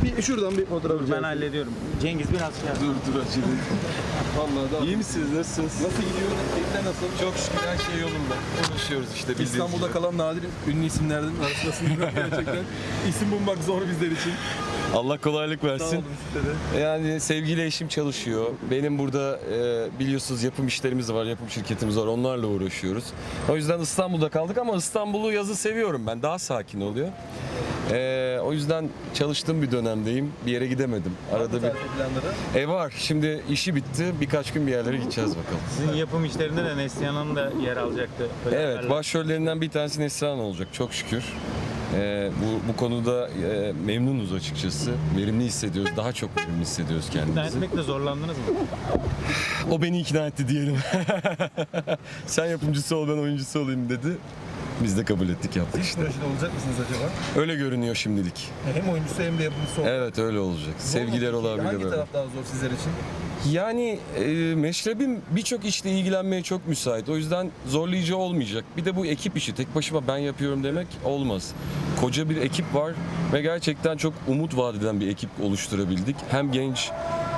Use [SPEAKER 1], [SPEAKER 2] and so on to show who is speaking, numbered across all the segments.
[SPEAKER 1] Şuradan bir fotoğraf
[SPEAKER 2] Ben hallediyorum. Cengiz biraz şey yap.
[SPEAKER 1] Dur acele. Vallahi daha.
[SPEAKER 3] İyi misiniz? Nasılsınız?
[SPEAKER 1] Nasıl gidiyor? Keyifler nasıl?
[SPEAKER 3] Çok şükür her şey yolunda. Uğraşıyoruz işte bildiğiniz
[SPEAKER 1] İstanbul'da
[SPEAKER 3] gibi.
[SPEAKER 1] kalan nadir ünlü isimlerden arasındasınız gerçekten. İsim bulmak zor bizler için.
[SPEAKER 3] Allah kolaylık
[SPEAKER 1] Sağ
[SPEAKER 3] versin.
[SPEAKER 1] olun size de.
[SPEAKER 3] Yani sevgili eşim çalışıyor. Benim burada biliyorsunuz yapım işlerimiz var, yapım şirketimiz var. Onlarla uğraşıyoruz. O yüzden İstanbul'da kaldık ama İstanbul'u yazı seviyorum ben. Daha sakin oluyor. O yüzden çalıştığım bir dönemdeyim. Bir yere gidemedim. Arada bir
[SPEAKER 1] Tatil planları.
[SPEAKER 3] var. Şimdi işi bitti. Birkaç gün bir yerlere gideceğiz bakalım.
[SPEAKER 2] Sizin yapım işlerinde de Neslihan Hanım da yer alacaktı. Öyle
[SPEAKER 3] Evet,
[SPEAKER 2] haberler.
[SPEAKER 3] başrollerinden bir tanesi Neslihan olacak çok şükür. Bu konuda memnunuz açıkçası. Verimli hissediyoruz. Daha çok verimli hissediyoruz
[SPEAKER 2] İkna
[SPEAKER 3] kendimizi.
[SPEAKER 2] etmekle zorlandınız mı?
[SPEAKER 3] O beni ikna etti diyelim. Sen yapımcısı ol, ben oyuncusu olayım dedi. Biz de kabul ettik, yaptık işte.
[SPEAKER 1] Projede olacak mısınız acaba?
[SPEAKER 3] Öyle görünüyor şimdilik.
[SPEAKER 1] Hem oyuncusu hem de yapımcısı olacak.
[SPEAKER 3] Evet, öyle olacak. Sevgiler
[SPEAKER 1] Zor mu peki?
[SPEAKER 3] olabilir.
[SPEAKER 1] Hangi
[SPEAKER 3] böyle.
[SPEAKER 1] taraf daha zor sizler için?
[SPEAKER 3] Yani meşrebim birçok işle ilgilenmeye çok müsait. O yüzden zorlayıcı olmayacak. Bir de bu ekip işi. Tek başıma ben yapıyorum demek olmaz. Koca bir ekip var ve gerçekten çok umut vaat eden bir ekip oluşturabildik. Hem genç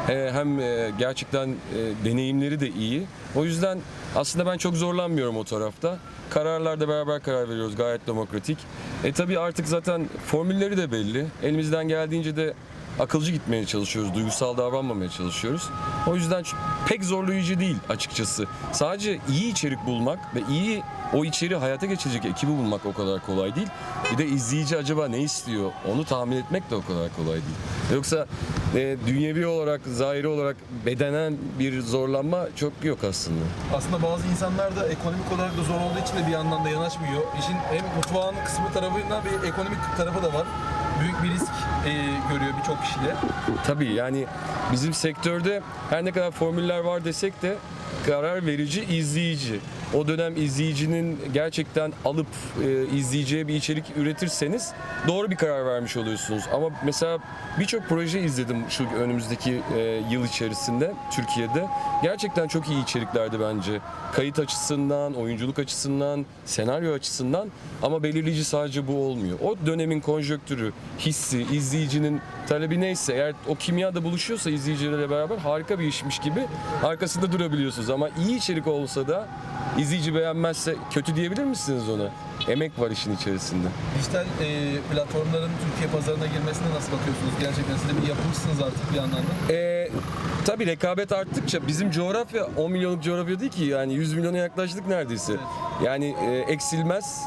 [SPEAKER 3] hem gerçekten deneyimleri de iyi. O yüzden aslında ben çok zorlanmıyorum o tarafta. Kararlarda beraber karar veriyoruz, gayet demokratik. Tabii artık zaten formülleri de belli. Elimizden geldiğince de akılcı gitmeye çalışıyoruz, duygusal davranmamaya çalışıyoruz. O yüzden pek zorlayıcı değil açıkçası. Sadece iyi içerik bulmak ve iyi o içeriği hayata geçirecek ekibi bulmak o kadar kolay değil. Bir de izleyici acaba ne istiyor onu tahmin etmek de o kadar kolay değil. Yoksa dünyevi olarak, zahiri olarak bedenen bir zorlanma çok yok aslında.
[SPEAKER 1] Aslında bazı insanlar da ekonomik olarak da zor olduğu için de bir yandan da yanaşmıyor. İşin hem mutfağın kısmı tarafında bir ekonomik tarafı da var. Büyük bir risk görüyor birçok kişiler.
[SPEAKER 3] Tabii yani bizim sektörde her ne kadar formüller var desek de karar verici izleyici. O dönem izleyicinin gerçekten alıp izleyeceği bir içerik üretirseniz doğru bir karar vermiş oluyorsunuz. Ama mesela birçok proje izledim şu önümüzdeki yıl içerisinde Türkiye'de. Gerçekten çok iyi içeriklerdi bence. Kayıt açısından, oyunculuk açısından, senaryo açısından ama belirleyici sadece bu olmuyor. O dönemin konjonktürü, hissi, izleyicinin talebi neyse eğer o kimya da buluşuyorsa izleyicilerle beraber harika bir işmiş gibi arkasında durabiliyorsunuz. Ama iyi içerik olsa da İzleyici beğenmezse kötü diyebilir misiniz ona? Emek var işin içerisinde.
[SPEAKER 1] Dijital platformların Türkiye pazarına girmesine nasıl bakıyorsunuz? Gerçekten siz de bir yapımcısınız artık bir yandan da.
[SPEAKER 3] Tabii rekabet arttıkça bizim coğrafya 10 milyonluk coğrafya değil ki yani 100 milyona yaklaştık neredeyse.
[SPEAKER 1] Evet.
[SPEAKER 3] Yani eksilmez.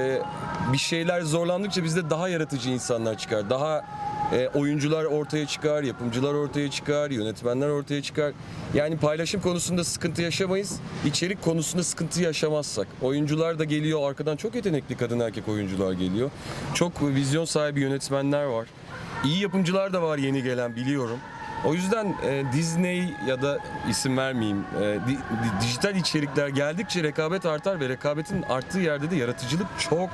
[SPEAKER 3] Bir şeyler zorlandıkça bizde daha yaratıcı insanlar çıkar. Daha oyuncular ortaya çıkar, yapımcılar ortaya çıkar, yönetmenler ortaya çıkar. Yani paylaşım konusunda sıkıntı yaşamayız. İçerik konusunda sıkıntı yaşamazsak. Oyuncular da geliyor, arkadan çok yetenekli kadın erkek oyuncular geliyor. Çok vizyon sahibi yönetmenler var. İyi yapımcılar da var yeni gelen biliyorum. O yüzden Disney ya da isim vermeyeyim, dijital içerikler geldikçe rekabet artar ve rekabetin arttığı yerde de yaratıcılık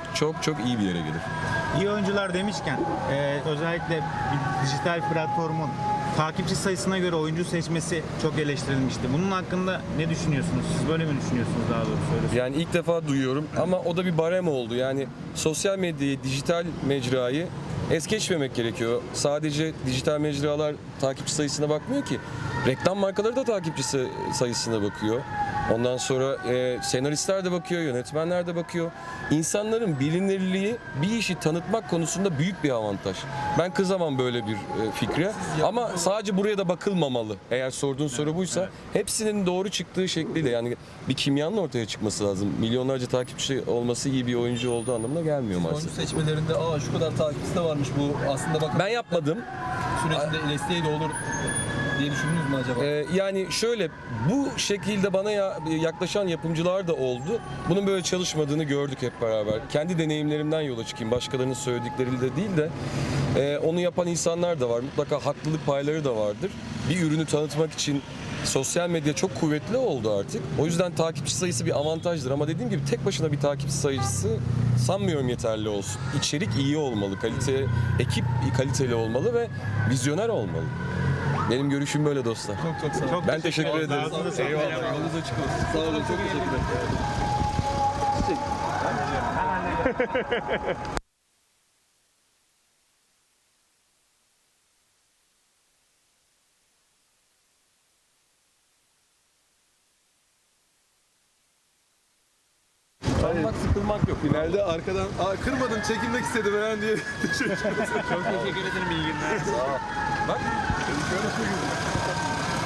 [SPEAKER 3] çok iyi bir yere gelir.
[SPEAKER 2] İyi oyuncular demişken özellikle bir dijital platformun takipçi sayısına göre oyuncu seçmesi çok eleştirilmişti. Bunun hakkında ne düşünüyorsunuz? Siz böyle mi düşünüyorsunuz daha doğrusu? Öyle
[SPEAKER 3] Yani ilk defa duyuyorum ama o da bir barem oldu. Yani sosyal medyayı, dijital mecrayı es geçmemek gerekiyor. Sadece dijital mecralar takipçi sayısına bakmıyor ki. Reklam markaları da takipçi sayısına bakıyor. Ondan sonra senaristler de bakıyor, yönetmenler de bakıyor. İnsanların bilinirliği bir işi tanıtmak konusunda büyük bir avantaj. Ben kızamam böyle bir fikre. Ama sadece buraya da bakılmamalı. Eğer sorduğun soru buysa hepsinin doğru çıktığı şekliyle yani bir kimyanın ortaya çıkması lazım. Milyonlarca takipçi olması iyi bir oyuncu olduğu anlamına gelmiyor
[SPEAKER 1] Oyuncu
[SPEAKER 3] maalesef.
[SPEAKER 1] seçmelerinde şu kadar takipçisi de varmış bu aslında bakın
[SPEAKER 3] Ben yapmadım.
[SPEAKER 1] sürecinde desteği de olur diye düşündünüz mü acaba?
[SPEAKER 3] Yani şöyle bu şekilde bana yaklaşan yapımcılar da oldu. Bunun böyle çalışmadığını gördük hep beraber. Kendi deneyimlerimden yola çıkayım. Başkalarının söyledikleriyle de değil de onu yapan insanlar da var. Mutlaka haklılık payları da vardır. Bir ürünü tanıtmak için sosyal medya çok kuvvetli oldu artık. O yüzden takipçi sayısı bir avantajdır ama dediğim gibi tek başına bir takipçi sayısı sanmıyorum yeterli olsun. İçerik iyi olmalı, ekip kaliteli olmalı ve vizyoner olmalı. Benim görüşüm böyle dostlar.
[SPEAKER 1] Çok sağ olun.
[SPEAKER 3] Ben teşekkür ederim.
[SPEAKER 1] Eyvallah. Yolunuz açık olsun. Sağ olun. Çok teşekkürler.
[SPEAKER 3] Usanmak, sıkılmak yok.
[SPEAKER 1] Finalde arkadan kırmadın çekilmek istedi falan diye.
[SPEAKER 2] Çok teşekkür ederim. İyi günler.
[SPEAKER 3] Bak.
[SPEAKER 1] Şöyle söyleyeyim.